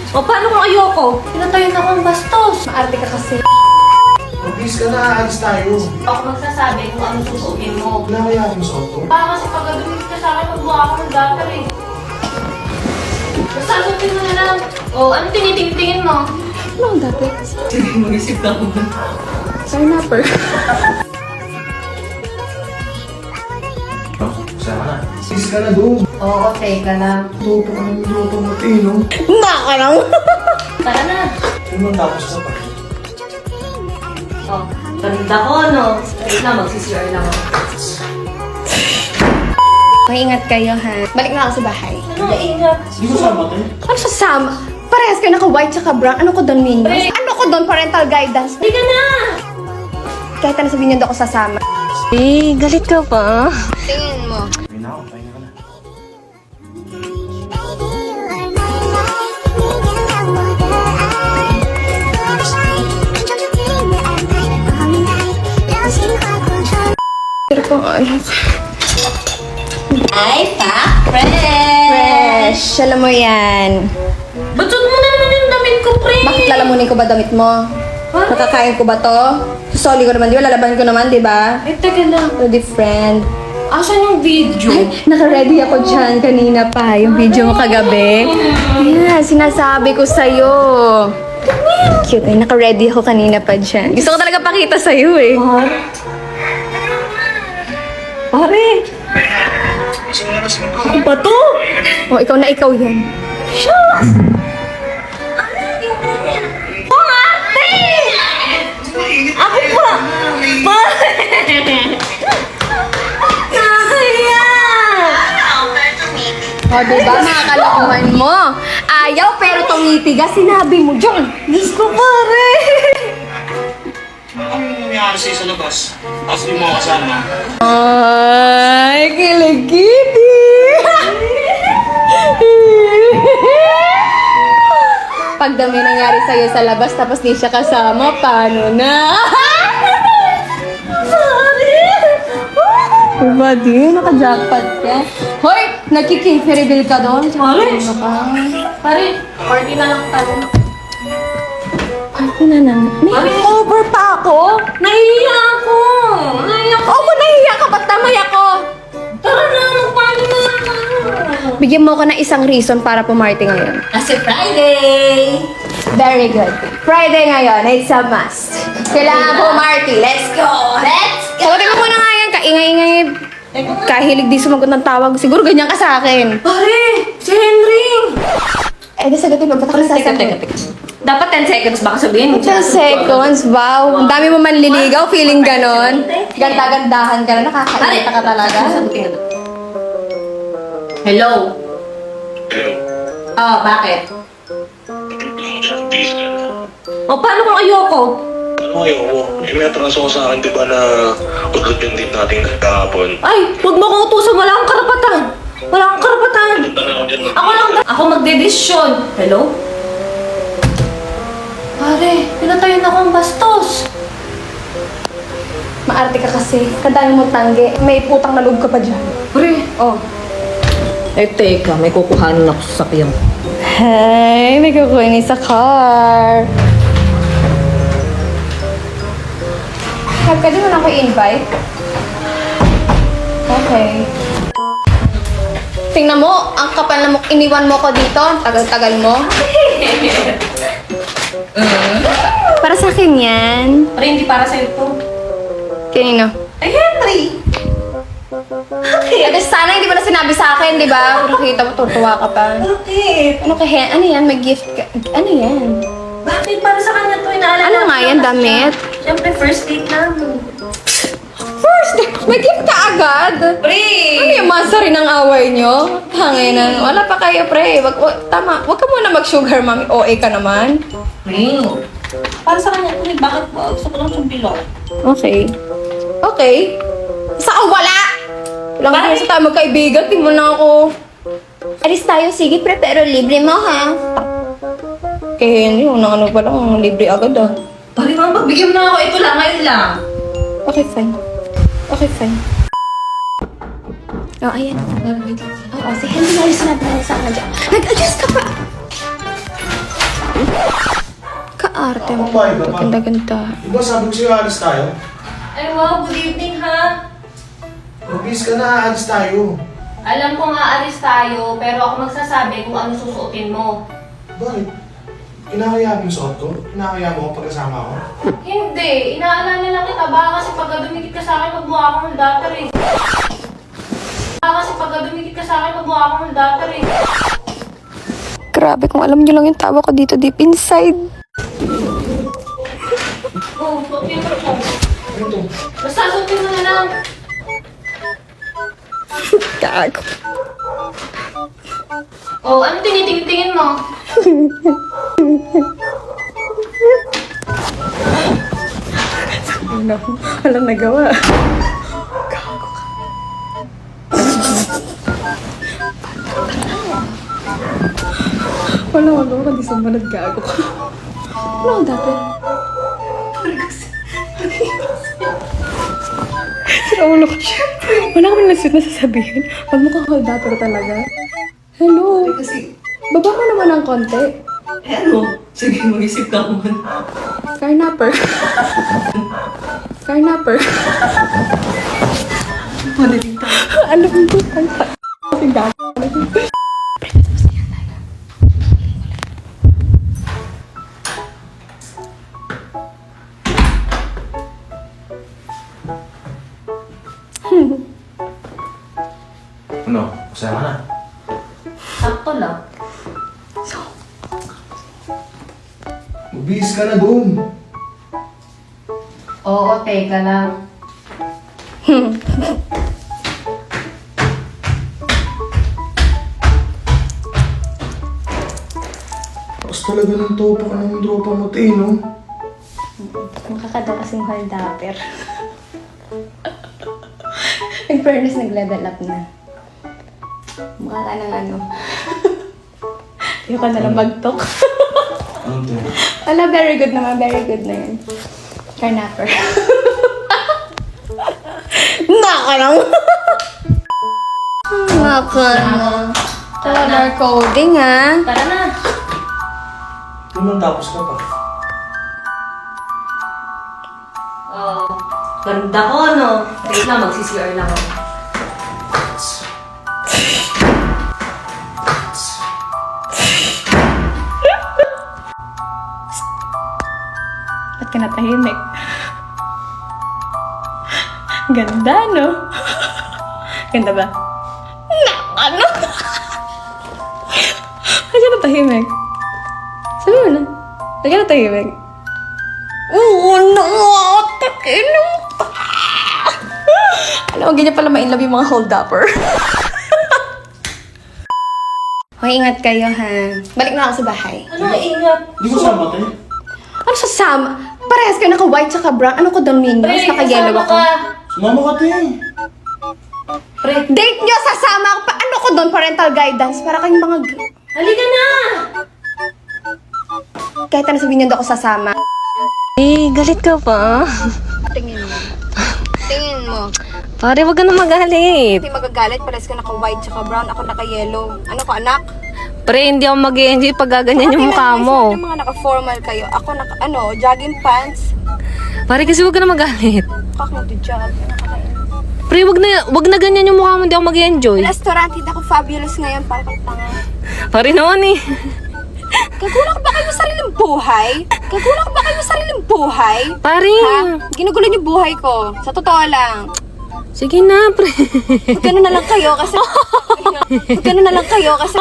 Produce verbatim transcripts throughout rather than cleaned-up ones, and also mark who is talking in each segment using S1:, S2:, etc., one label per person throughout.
S1: O, paano kung ayoko? Pinatayin ako ang bastos. Maarte ka kasi.
S2: Please ka na, aalis tayo.
S1: Ako magsasabi kung ano susuotin mo.
S2: Wala kaya akong suot to?
S1: Baka kasi pagkadumit ka sa akin, magbuha ako ng dapat eh. Basta suotin mo na lang. O, ano tinitingtingin mo?
S3: Ano ang dati?
S1: Sige, mag-isip ka mo.
S3: Pineapple.
S2: Sama na. Please ka na doon.
S1: Oo, okay ka lang.
S2: Luto ka ng luto mo, Tino.
S3: Baka lang.
S1: Tara na.
S2: Ano man tapos na pa?
S1: Oh, ganda ko, no? Wait lang, mag-C C R lang ako.
S3: Maingat kayo, ha? Balik na ako sa bahay.
S1: Ano, ingat?
S2: Hindi ko sama, Tino.
S3: Ano sasama? Parehas kayo naka-white tsaka brown. Ano ko doon, Minyo?
S1: Pre.
S3: Ano ko doon? Parental guidance.
S1: Hindi ka na!
S3: Kahit ano sabihin niyo, doon ako sasama.
S1: Eh, galit ka pa?
S3: Tingin mo.
S2: Ay na ako, pahinga ka na.
S3: Pero pang ano?
S1: Ay, pa! Fresh!
S3: Fresh. Alam mo yan.
S1: Ba't suot mo na naman yung damit ko, pre?
S3: Bakit lalamunin ko ba damit mo?
S1: Bakit?
S3: Nakakain ko ba to? Susoli ko naman, di ba? Lalaban ko naman, di ba?
S1: Ay, teka lang.
S3: Ready, friend.
S1: Asan yung video?
S3: Ay, naka-ready ako dyan kanina pa. Yung video mo kagabi. Yeah, sinasabi ko sa'yo. Cute eh. Naka-ready ako kanina pa dyan. Gusto ko talaga pakita sa'yo eh.
S1: Pare? Pare? Ano ba to?
S3: Oh, ikaw na ikaw yan.
S1: Shucks! Oh, ate! Ako pa! Pare! Nakakaya!
S3: O, diba? Mga kalokohan mo. Ayaw pero tumitigas. Sinabi mo dyan.
S1: Diyos ko, pare!
S4: Ano yung nangyari sa'yo sa labas? Tapos di mo ako kasama.
S3: Ay, kiligidi. Pag dami nangyari sa'yo sa labas tapos di siya kasama, paano na? Diba di? Naka-jackpot ka. Hoy! Nagki-king reveal ka doon?
S1: Pare!
S3: Ano ka?
S1: Pare, party na lang tayo.
S3: Party na lang. May
S1: Pare!
S3: over pa ako?
S1: Nahihiya ako! Nahihiya ako!
S3: Oo, kung nahihiya ka, ba't tamay ako?
S1: Tara na, mag-party na lang tayo!
S3: Bigyan mo ko ng isang reason para pumarty ngayon.
S1: Kasi Friday!
S3: Very good. Friday ngayon, it's a must. Kailangan pumarty. Let's go!
S1: Let's go!
S3: Sagutin mo muna nga yan, kaingay-ingay. Kahilig di sumagot ng tawag. Siguro ganyan ka sa akin.
S1: Pare! Si Henry!
S3: Eh, di sagutin mo. Ba't ako
S1: Teka,
S3: sasagot?
S1: teka, teka. Dapat ten seconds baka sabihin mo.
S3: ten seconds, wow. Ang dami mo manliligaw, feeling ganon. Ganda-gandahan ka na, nakakainita ka talaga.
S1: Sagutin ka. Hello?
S4: Pero,
S1: Oh, bakit?
S4: please ka na.
S1: O, paano kung ayoko?
S4: Ano kayo? Eh, may atraso ko sa akin, di ba, na udlot yung date natin kahapon.
S1: Ay, huwag mo kong utusan. Wala akong karapatan. Wala akong karapatan.
S4: Ano ako dyan?
S1: Ako lang, ako magdedesisyon. Hello? Pare, pinatayin ako ang bastos.
S3: Maarte ka kasi. Kadami mo tanggi. May putang na loob ka pa dyan.
S1: Pre,
S3: Oh.
S1: eh teka, may kukuhanin ako sa sakyan.
S3: Hey, may kukunin sa car. Pwede mo na ako i-invite? Okay. Tingnan mo, ang kapal na mo, iniwan mo ko dito. Tagal-tagal mo. Para sa akin yan.
S1: Pare, hindi para sa'yo to.
S3: Kanino?
S1: Ay, Henry!
S3: Eh, sana hindi mo na sinabi sa akin, di ba? Kung nakita mo, tutuwa ka pa.
S1: Bakit?
S3: Ano kaya? Ano yan? May gift ka? Ano yan?
S1: Bakit? Para sa kanya to, inaalala
S3: Ano
S1: ko
S3: nga
S1: lang
S3: yan,
S1: kasi
S3: damit?
S1: siya- Siyempre, first date namin.
S3: First, may gift ka agad?
S1: Pre!
S3: Ano yung masa rin ang away nyo? Hanginan. Wala pa kayo, pre. Wag, wag, tama. Wag ka muna mag-sugar, mami. O A ka naman.
S1: Pre! Para sa kanya to, eh. Bakit ba? Gusto ko lang siyang bilog.
S3: Okay. Okay. Saka wala! Walang
S1: Bakit?
S3: kaya sa tayo magkaibigan. Di mo na ako. Alis tayo, sige, pre. Pero libre mo, ha? Eh, Henry, unang ano pa lang. Libre agad, ah.
S1: Pare, mga pagbigyan mo na ako. Ito lang, ngayon lang.
S3: Okay, fine. Okay, fine. Oh, ayan. Oo, si Henry na yung sinabi na sa akin dyan. Nag-adjust ka pa! arte mo.
S2: Kumain ka pa.
S3: Ganda-ganda.
S2: Diba sabi ko sa'yo, alis tayo?
S1: Ay wow, good evening ha.
S2: Mabis ka na, alis tayo.
S1: Alam ko nga alis tayo, pero ako magsasabi kung ano susuotin mo.
S2: Bakit? Kinakaya mo yung suot ko? Kinakaya mo ako pagkasama ko?
S1: Hindi, inaalala lang kita. Baka kasi pagka dumikit ka sa akin, magmukha akong holdater eh. Baka kasi pagka dumikit ka sa akin, magmukha akong holdater eh.
S3: Grabe, kung alam niyo lang yung tawa ko dito deep inside.
S1: Oh, suotin mo po.
S2: Ano to?
S1: Basta suotin mo na lang.
S3: Gago.
S1: Oh, ano tinitingin-tingin mo?
S3: Ano? Walang nagawa. Gago ka. Wala, wala. Kundi sumunod, gago ka. Ano ang dati? Sira ulo ko siya. Wala kami nasit na sasabihin. Pag mukha ko dapper talaga. Hello.
S5: Kasi,
S3: Baba mo naman ng konti.
S5: eh ano? Sige, mag-isip ka muna.
S3: Carnapper. Carnapper.
S5: Madaling tayo.
S3: Ano ba ito? Ang kasing gago.
S2: Ano? Masaya ka na?
S1: Sakto lang.
S2: Mabis ka na doon.
S1: Oo, teka lang.
S2: Tapos talaga ng topa ka ng dropa mo, te, no?
S3: Makakadaw kasing holdapper. In fairness, nag-level up na. Mukha ka ng ano. Ayoko na lang mag-talk.
S2: Ano to?
S3: Wala, very good naman. Very good na yun. Carnapper. Naka lang. Naka lang. Color coding, ha?
S1: Tara na.
S2: Naman tapos ka pa.
S1: Oh, ganda ko, no? Wait lang, mag-C C R lang ako.
S3: Ba't ka natahimik? Ganda, no? Ganda ba? Na, ano? Ba't ka natahimik? Sabi mo na. Ba't ka natahimik? Oo, no! Takin mo! Alam mo, ganyan pala ma-inlove yung mga hold-upper. Hoy, ingat kayo, ha? Balik na ako sa bahay.
S1: Ano, ingat.
S2: Hindi ko sama, te.
S3: Ano sa Sam? Parehas kayo naka-white tsaka brown. Ano ko doon, Minions? Naka-yellow
S1: kasama
S3: ako.
S1: ka.
S2: Sumama ka, te.
S1: Pre,
S3: Date nyo, sasama ako pa. Ano ko doon? Parental guidance. Para kayong mga... g-
S1: halika na!
S3: Kahit ano sabihin nyo, doon ako sasama.
S6: Eh, galit ka pa?
S3: Tingin mo. Tingin mo.
S6: Pare, wag ka na magalit.
S3: Hindi magagalit. Parehas ka naka-white tsaka brown. Ako naka-yellow. Ano ko, anak?
S6: Pre, hindi ako mag-enjoy pag gaganyan yung mukha mo.
S3: Yung mga naka-formal kayo. Ako naka, ano, jogging pants.
S6: Pare, kasi wag ka na magalit.
S3: Kaka mag-jog.
S6: Pre, wag na, wag na ganyan yung mukha mo, hindi ako mag-enjoy.
S3: Restaurant, hindi ako fabulous ngayon. Para kang tanga.
S6: Pare naman eh.
S3: Gagulak ba kayo sa sariling buhay? Gagulak ba kayo sa sariling buhay?
S6: Pare.
S3: Ha? Ginugulo niyo buhay ko. Sa totoo lang.
S6: Sige na, pre.
S3: Magkano na lang kayo kasi... Magkano na lang kayo kasi...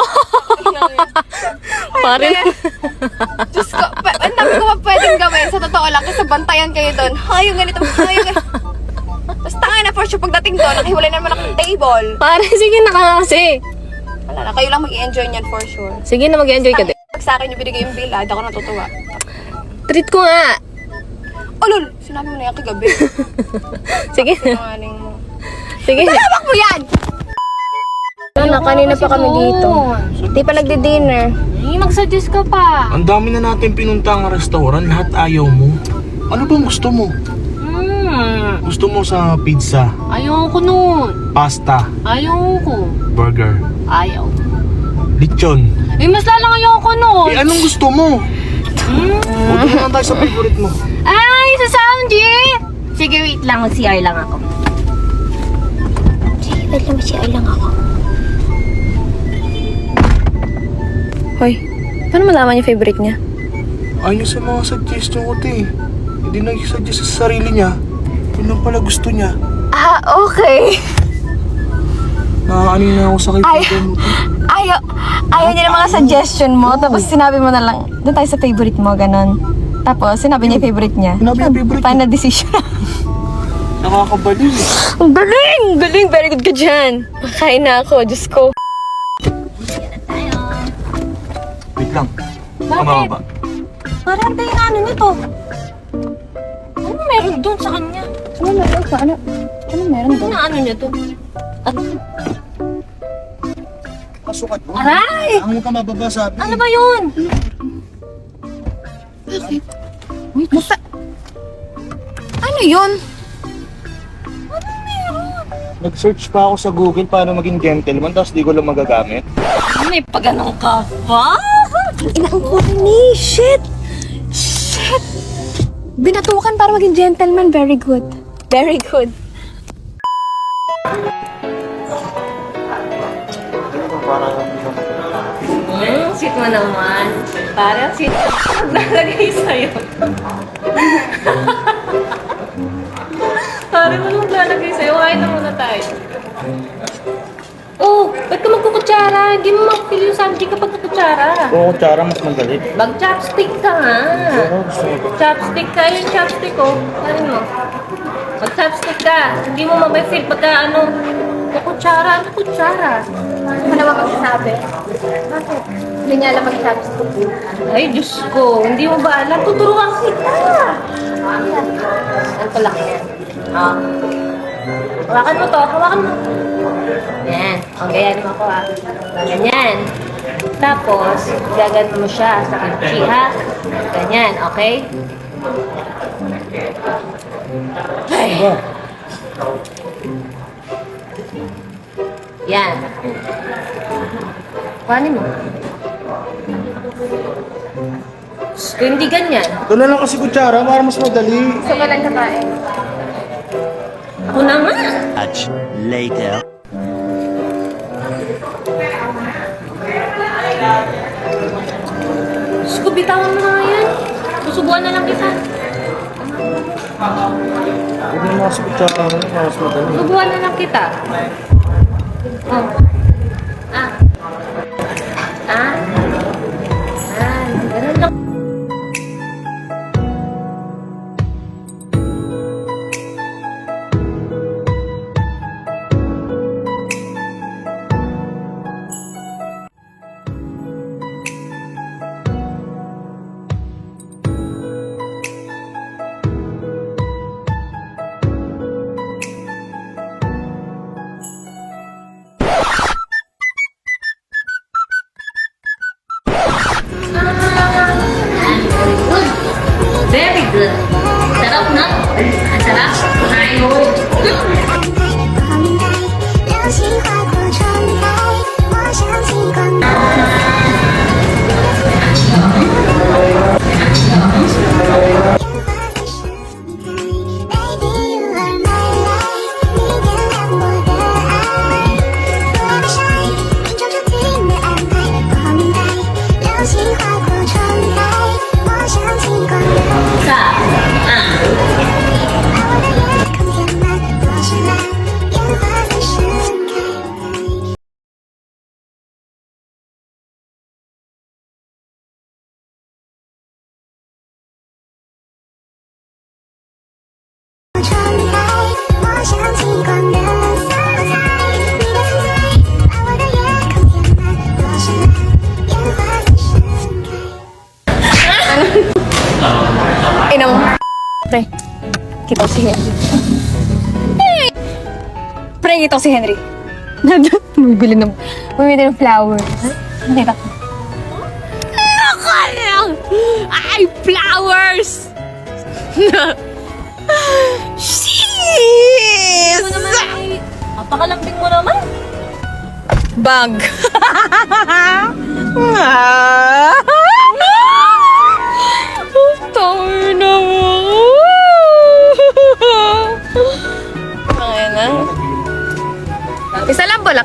S6: Pare.
S3: Diyos ko, pa- ang dami ko pa pwedeng gawin. Sa totoo lang, kasi bantayan kayo doon. Hay, yung ganito, hay, yung ganito. Basta nga na for sure, pagdating doon, nakahiwalay na naman akong table.
S6: Pare, sige na kasi.
S3: Wala na, kayo lang mag-i-enjoy niyan for sure.
S6: Sige na, mag-enjoy ka din.
S3: Pag sa akin yung binigay yung bill, ah, di ako natutuwa.
S6: Treat ko nga.
S3: Oh, lol, sinabi mo na yan kagabi.
S6: Sige na.
S3: Sinungaling mo.
S6: Sige na.
S3: Tawag mo yan! Ano, kanina pa kami dito. Di pa nagdi-dinner.
S1: Eh, mag-suggest ka pa.
S2: Ang dami na natin pinuntang restaurant, lahat ayaw mo. Ano bang gusto mo?
S1: Hmm,
S2: Gusto mo sa pizza,
S1: ayoko nun.
S2: pasta,
S1: Ayoko.
S2: burger,
S1: Ayaw.
S2: lechon.
S1: Eh, mas lalang ayoko nun.
S2: Eh, anong gusto mo? Punta na lang tayo sa favorite mo.
S3: Ay, sa Soundji! Sige, wait lang. Mag-C R lang ako. Sige, wait lang. Mag-C R lang ako. Hoy, paano malaman yung favorite niya?
S2: Ayun sa mga suggestion ko, te. Hindi nag-suggest sa sarili niya. Yun lang pala gusto niya.
S3: Ah, okay.
S2: Nakakaano na ako sa kaibigan mo, te.
S3: Ayaw, ayaw niya ng mga suggestion mo, tapos sinabi mo na lang, doon tayo sa favorite mo, ganon. Tapos, sinabi niya yung favorite niya.
S2: Sinabi yung favorite
S3: Final decision.
S2: Nakakabaliw eh.
S3: Ang galing! Galing! Very good ka dyan. Makain na ako, Diyos ko.
S2: Wait lang. Kamababa.
S3: Parang tayo na ano nito. Ano meron doon sa kanya? Ano meron sa ano? Ano meron doon? Ano ano niya to?
S2: Pasukat mo.
S3: Aray!
S2: Ang ka mababa sabi.
S3: Ano ba yun? Wait, basta... Ano yun?
S2: Nag-search pa ako sa Google paano maging gentleman tapos di ko lang magagamit.
S3: May paganong ka pa? Inang corny! Shit! Shit! Binatukan para maging gentleman. Very good. Very good. Hmm, sweet mo naman. Parang sweet. Nalagay sa'yo. Parang mo nung lalagay sa'yo. Kain na muna tayo. Oh, ba't ka magkukutsara? Hindi mo makapili yung samji kapag kukutsara.
S2: Oo, kutsara mas madali.
S3: Mag-chopstick ka nga. Chopstick ka. Yung chopstick ko. Ano mo? Mag-chopstick ka. Hindi mo mabay-feel pagka ano, kukutsara. Ano kutsara? Ano ka naman magsasabi? Bakit? Hindi niya alam mag-chopstick. Ay, Diyos ko. Hindi mo ba alam? Tuturuan kita. Ano pala? Ah. Hawakan mo to. Hawakan mo. Yan. O, ganyan mo ako ha. Ganyan. Tapos, gagan mo siya sa kimchi ha. Ganyan, okay? Ay. Yan. Kuhanin mo. Gusto hindi ganyan.
S2: Ito na lang kasi kutsara para mas madali.
S3: Gusto ka lang kakain. Ako na nga.
S7: Much later.
S3: Diyos ko, bitawan mo na nga yan. Susubuan na lang kita.
S2: Huwag na mga sa kutsara para mas madali.
S3: Susubuan na lang kita. Oh. Ah. Ah. Ah. Ganun lang. Very good. Sarap na. Ang sarap. Kain mo.
S8: 流星划过窗台，我想起光带。Baby, you are my light，你点亮我的爱。Forever shine，命中注定的安排。光带，流星划过窗台，我想起光带。
S3: Sa. Ah.
S8: 把我的夜空填满，多绚烂，烟花在盛开。 窗台，我想起光的色彩，你的存在，把我的夜空填满，多绚烂，烟花在盛开。
S3: Ina mo. Pre, kita ko si Henry. Pre, kita ko si Henry. Bumibili ng, bumibili ng flower. Nakita ko. Naka lang! Ay, flowers! Sheesh!
S6: Napakalambing mo naman.
S3: Bag.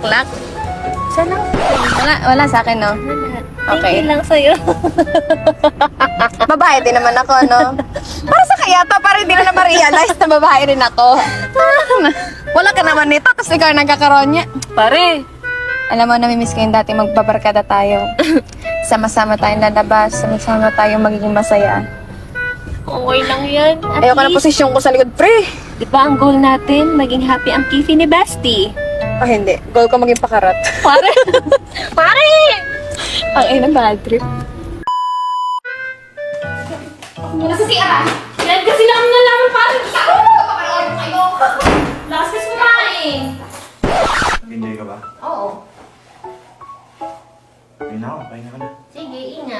S9: bulaklak? Sana? Wala, wala sa akin, no? Okay.
S3: Thank you lang sa'yo.
S9: Babae din naman ako, no? Para sa kaya to, para hindi ko na ma-realize na babae rin ako. Wala ka naman nito, tapos ikaw nagkakaroon niya.
S3: Pare,
S9: Alam mo, namimiss ko yung dati magbabarkada tayo. Sama-sama tayong lalabas, sama-sama tayong magiging masaya.
S3: okay lang yan. At
S9: Ayoko na
S3: least,
S9: posisyon ko sa likod, pre.
S3: di ba ang goal natin, maging happy ang Kifi ni Basti?
S9: Oh, hindi. Goal ko maging pakarat.
S3: Pare! Pare!
S9: Ang ina, bad trip.
S1: Nasa si Ara. Yan kasi lang nalaman parang sabi mo kapanood kayo. Lakas kasi kumain.
S2: Nag-enjoy ka ba?
S1: Oo.
S2: Ayun na ako, pahinga ka na.
S1: Sige, ingat.